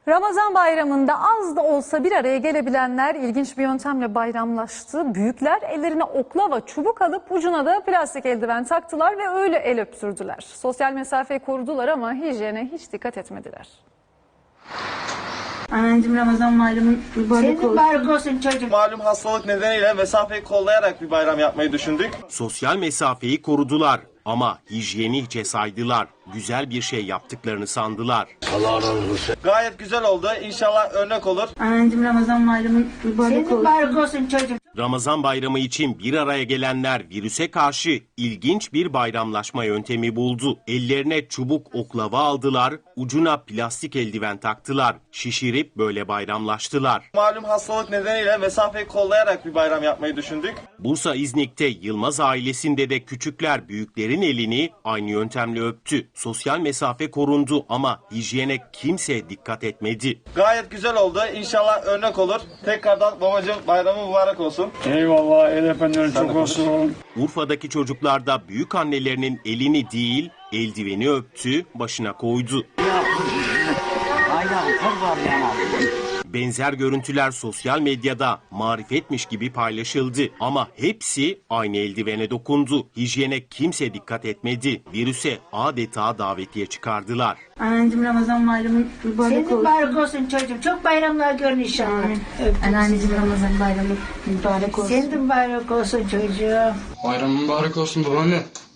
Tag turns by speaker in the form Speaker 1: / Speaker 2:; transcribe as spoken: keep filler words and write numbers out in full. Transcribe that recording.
Speaker 1: Ramazan bayramında az da olsa bir araya gelebilenler ilginç bir yöntemle bayramlaştı. Büyükler ellerine oklava, çubuk alıp ucuna da plastik eldiven taktılar ve öyle el öptürdüler. Sosyal mesafeyi korudular ama hijyene hiç dikkat etmediler.
Speaker 2: Anneciğim Ramazan bayramın mübarek olsun.
Speaker 3: Mübarek olsun çocuğum.
Speaker 4: Malum hastalık nedeniyle mesafeyi kollayarak bir bayram yapmayı düşündük.
Speaker 5: Sosyal mesafeyi korudular ama hijyeni hiçe saydılar. Güzel bir şey yaptıklarını sandılar.
Speaker 4: Allah razı olsun. Gayet güzel oldu. İnşallah örnek olur.
Speaker 2: Anneciğim Ramazan bayramın mübarek olsun.
Speaker 3: Mübarek olsun çocuğum.
Speaker 5: Ramazan bayramı için bir araya gelenler virüse karşı ilginç bir bayramlaşma yöntemi buldu. Ellerine çubuk oklava aldılar, ucuna plastik eldiven taktılar. Şişirip böyle bayramlaştılar.
Speaker 4: Malum hastalık nedeniyle mesafeyi kollayarak bir bayram yapmayı düşündük.
Speaker 5: Bursa İznik'te Yılmaz ailesinde de küçükler büyüklerin elini aynı yöntemle öptü. Sosyal mesafe korundu ama hijyene kimse dikkat etmedi.
Speaker 4: Gayet güzel oldu. İnşallah örnek olur. Tekrardan babacığım bayramı mübarek olsun.
Speaker 6: Eyvallah, el efendilerin çok olsun.
Speaker 5: Urfa'daki çocuklar da büyük annelerinin elini değil, eldiveni öptü, başına koydu. Benzer görüntüler sosyal medyada marifetmiş gibi paylaşıldı ama hepsi aynı eldivene dokundu. Hijyene kimse dikkat etmedi. Virüse adeta davetiye çıkardılar.
Speaker 2: Anneciğim Ramazan bayramın mübarek
Speaker 3: Senin
Speaker 2: olsun.
Speaker 3: mübarek olsun çocuğum. Çok bayramlar görün inşallah. Öptüm.
Speaker 2: Anneciğim Ramazan bayramın mübarek olsun.
Speaker 3: Senin de mübarek olsun çocuğum.
Speaker 6: Bayram mübarek olsun babaanne.